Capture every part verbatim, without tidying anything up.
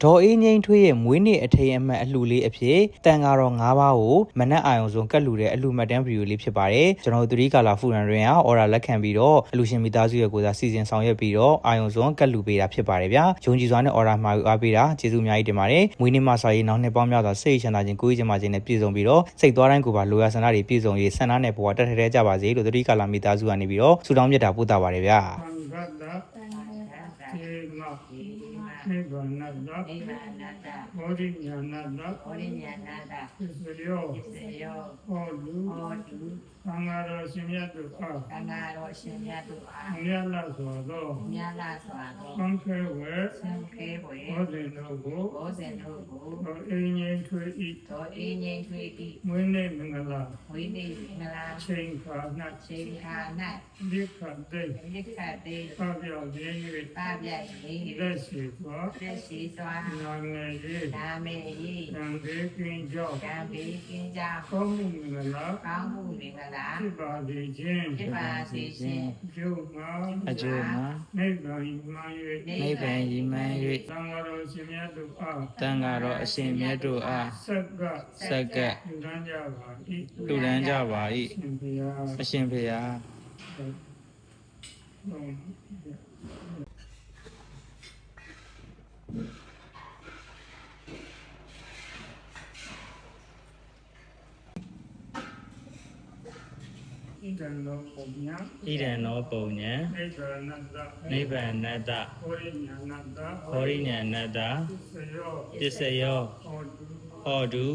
ဒေါ်အေးငိမ့်ထွေးရဲ့မွေးနေ့အထိမ်းအမှတ်အလှူလေးအဖြစ်တန်ဃာတော်၅ပါးကိုမနက်အာရုံဆုံးကတ်လှူတဲ့အလှူမှတ်တမ်းဗီဒီယိုလေးဖြစ်ပါတယ်ကျွန်တော်တို့သတိကာလာဖူရန်တွင်ကအော်ရာလက်ခံပြီးတော့အလှူရှင်မိသားစုရဲ့ကိုယ်စားစီစဉ်ဆောင်ရွက်ပြီးတော့အာရုံဆုံးကတ်လှူပေးတာဖြစ်ပါတယ်ဗျာယုံကြည်စွာနဲ့အော်ရာမှာယူအားပေးတာကျေးဇူးအများကြီးတင်ပါတယ်မွေးနေ့မှာစာရေးနောက်နှစ်ပေါင်းများစွာစိတ်ချမ်းသာခြင်းကိုယ်ကြီးချမ်းသာခြင်းနဲ့ပြည့်စုံပြီးတော့စိတ်သွားတိုင်းကိုယ်ပါလိုရာဆန္ဒတွေပြည့်စုံရေးဆန္ဒနဲ့ဘဝတက်ထဲထဲကြပါစေလို့သတိကာလာမိသားစုကနေပြီးတော့ဆုတောင်းမြတ်တာပို့တာပါတယ်ဗျာနိဗ္ဗာန်နာတနိဗ္ဗာန်နာတဘောဓိညာနာတဘောဓိညာနာတသစ္စယောသစ္စယောဟောတုဟောတုသံဃာတော်ရှင်မြတ်တို့အားသံဃာတော်ရှင်မြတ်တို့အားမြတ်လာစွာသောမြတ်လာစွာသောသံဃေဝေသံဃေဝေဘောဇင်တို့ကိုဘောဇင်တို့ကိုသောအင်းငိမ့်ထွေဤသောအင်းငိမ့်ထွေဤမွေးနေ့မင်္ဂလာမွေးနေ့မင်္ဂလာချိန်ခါ၌ချိန်ခါ၌ဒီခတ်တဲ့ဒီခတ်တဲ့ပါပြောင်းခြင်း၍ပါပြောင်းခြင်းလက်ရှိစွာလက်ရှိစွာနာမည်ရေးနာမည်ရေးသံဃေကင်းကြောင့်သံဃေကင်းကြောင့်ကောင်းမှုမင်္ဂလာကောင်းမှုမင်္ဂလာဖြစ်ပါစေခြင်းဖြစ်ပါစေခြင်းကျိုးမှာအကျိုးမှာနိဗ္ဗာန်မှန်၍နိဗ္ဗာန်မှန်၍သံဃာတော်အရှင်မြတ်တို့အားတန်ဃာတော်အရှင်မြတ်တို့အားဆက်ကဆက်ကလူတန်းကြပါ၏လူတန်းကြပါ၏အရှင်ဖေဟာဣဒံနောပုံညာဣဒံနောပုံညာနိဗ္ဗာန်တနိဗ္ဗာန်နတ္တဟောရိညာဏတဟောရိညာဏတ္တသစ္စယောပစ္စယောဟောတုဟောတု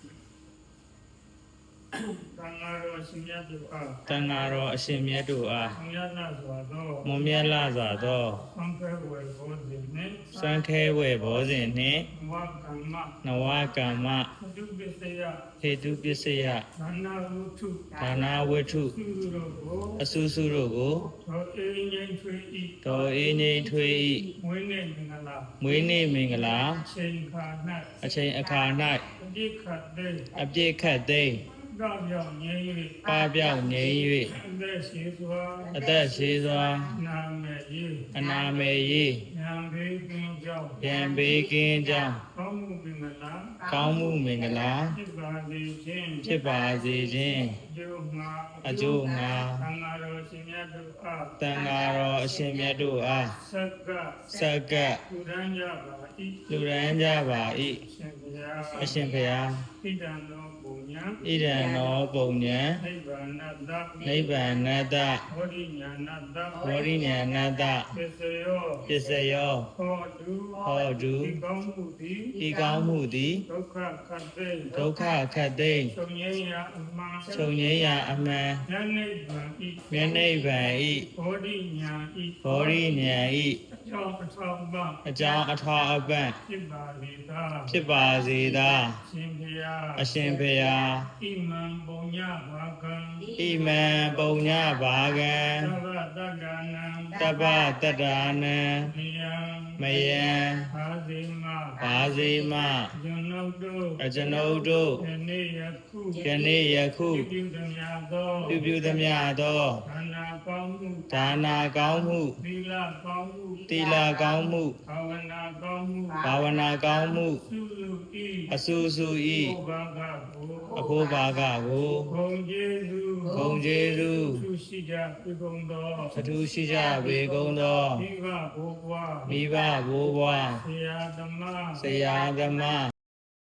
သံဃာတော်ရှင်မြတ်တို့အားတန်ဃာတော်အရှင်မြတ်တို့အားမြတ်လာစွာသောမွန်မြတ်လာစွာသောသံဃေဝေဘောဇင်နှင့်စံခဲဝေဘောဇင်နှင့်ဝါကမ္မနဝကမ္မဒုပစ္စယဟေတုပစ္စယဒါနာဝုထုဒါနာဝတ္ထုသုတို့ကိုအဆုစုတို့ကိုသောအေးငိမ့်ထွေဤဒေါ်အေးငိမ့်ထွေဤမွေးနေ့မင်္ဂလာမွေးနေ့မင်္ဂလာချိန်ခါ၌အချိန်အခါ၌အပြည့်ခတ်သိမ်းအပြည့်ခတ်သိမ်းပါပြောင်းငြိမ်း၍ပါပြောင်းငြိမ်း၍အသက်ရှိစွာအသက်ရှိစွာနာမေယီအနာမေယီဉာဏ်ဘေးကင်းကြောင်းဉာဏ်ဘေးကင်းကြောင်းကောင်းမှုမင်္ဂလာကောင်းမှုမင်္ဂလာဖြစ်ပါစေခြင်းဖြစ်ပါစေခြင်းကျိုးမှာအကျိုးမှာသံဃာတော်ရှင်မြတ်တို့အားတန်ဃာတော်အရှင်မြတ်တို့အားဆက်ကဆက်ကလူရန်ကြပါ၏လူရန်ကြပါ၏အရှင်ဘုရားဣဒံနောပုံညာဣဒံနောပုံညာနိဗ္ဗာန်တနိဗ္ဗာန်တဝရိညာဏတဝရိညာဏတပစ္စယောပစ္စယောဟောတုဟောတုဤကောင်းမှုသည်ဤကောင်းမှုသည်ဒုက္ခခတ်သိမ်းဒုက္ခခတ်သိမ်းချုပ်ငြိမ်းရာအမှန်ချုပ်ငြိမ်းရာအမှန်ဉာဏ်နိဗ္ဗာန်ဤဉာဏ်နိဗ္ဗာန်ဤဘောဓိညာဤဘောဓိညာဤအကြောင်းအထောက်ပံ့အကြောင်းအထောက်အပံ့ဖြစ်ပါလေသာဖြစ်ပါစေသာရှင်ဘုရားအရှင်ဘုရားဣမံပုံညဘာကံဣမံပုံညဘာကံသဗ္ဗတက္ကနံတပ္ပတတ္တာနံမယံမယံဘာဇိမဘာဇိမကျွန်ုပ်တို့အကျွန်ုပ်တို့ယနေ့ယခုယနေ့ယခုပြုသမျှသောပြုပြုသမျှသောဒါနာကောင်းမှုဒါနာကောင်းမှုသီလကောင်းမှုသီလကောင်းမှုဘာဝနာကောင်းမှုဘာဝနာကောင်းမှုသုလူဤအဆူဆူဤဘာဂကိုအဖို့ဘာဂကိုဂုံကျေးဇူးဂုံကျေးဇူးသူရှိကြပေကုန်သောအထူးရှိကြပေကုန်သောမိဘဘိုးဘွားမိဘဘိုးဘွားဆရာသမားဆရာသမား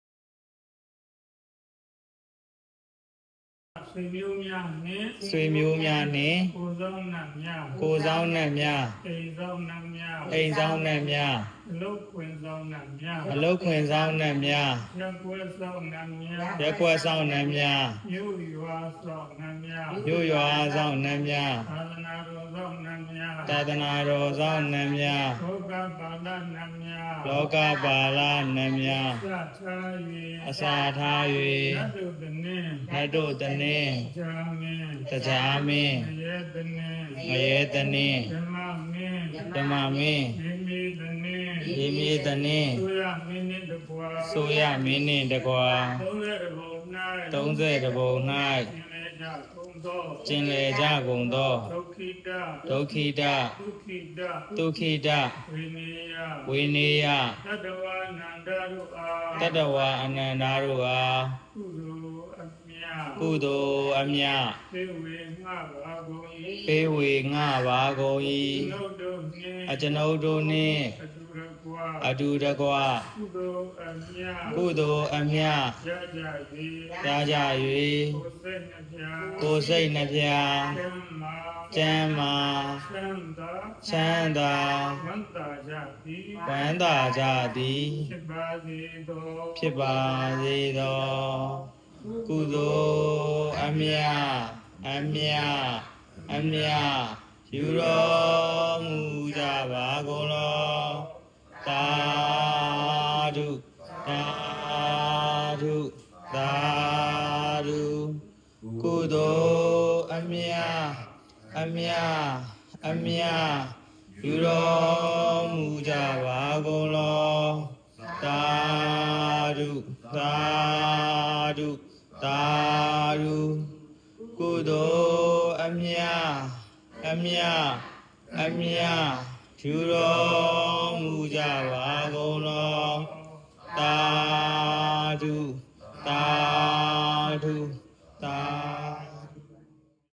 ဆွေမျိုးများနှင့်ဆွေမျိုးများနှင့်ကိုယ်ဆောင်နှံများကိုယ်ဆောင်နှံများအိမ်ဆောင်နှံများအိမ်ဆောင်နှံများအလုတ်ခွင်ဆောင်နှံများအလုတ်ခွင်ဆောင်နှံများရက်ွယ်ဆောင်နှံများရက်ွယ်ဆောင်နှံများမြို့ရွာဆောင်နှံများမြို့ရွာဆောင်နှံများသာသနာတော်ဆောင်နှံများသာသနာတော်ဆောင်နှံများလောကပါဠနှံများလောကပါဠနှံများအစာထား၍အစာထား၍နတ်တို့တနည်းနတ်တို့တနည်းကြာမင်းတရားမင်းငရဲတနည်းငရဲတနည်းဓမ္မမင်းဓမ္မမင်းယေမေတနည်းယေမေတနည်းဆိုရမင်းနှင့်တကွာဆိုရမင်းနှင့်တကွာသုံးရတဘုံ၌သုံးရတဘုံ၌ကြကုန်သောကျင်လေကြကုန်သောဒုက္ခိတဒုက္ခိတဒုက္ခိတဒုက္ခိတဝိနေယဝိနေယတတဝါနန္ဒရုအာတတဝအနန္တာတို့အားကုသိုလ်အမြတ်ကုသိုလ်အမြတ်သေဝေငှပါကုန်၏ပေးဝေငှပါကုန်နု၏တ်တို့နှင့်အကျွန်ုပ်တို့နှင့်အတူတကွာအတူတကွကုသိုလ်အမြတ်ကုသိုလ်အမြတ်ရကြ၍ရကြကိုယ်စိတ်နှပြ၍ကိုယ်စိတ်နှပြကျမ်းမာကျမ်းမာချမ်းသာချမ်းသာဝန္တာကြသည်ဝမ်းသာကြသည်ဖြစ်ပါစေသောဖြစ်ပါစေသောကုသိုလ်အမြတ်အမြတ်အမြတ်ယူတော်မူကြပါကုန်လောသာဓုသာဓုသာဓုကုသိုလ်အမြတ်အမြတ်အမြတ်ယူတော်မူကြပါကုန်လောသာဓုသာဓုသာဓုကုသိုလ်အမြတ်အမြတ်အမြတ်ယူတော်မူကြပါကုန်လောသာဓု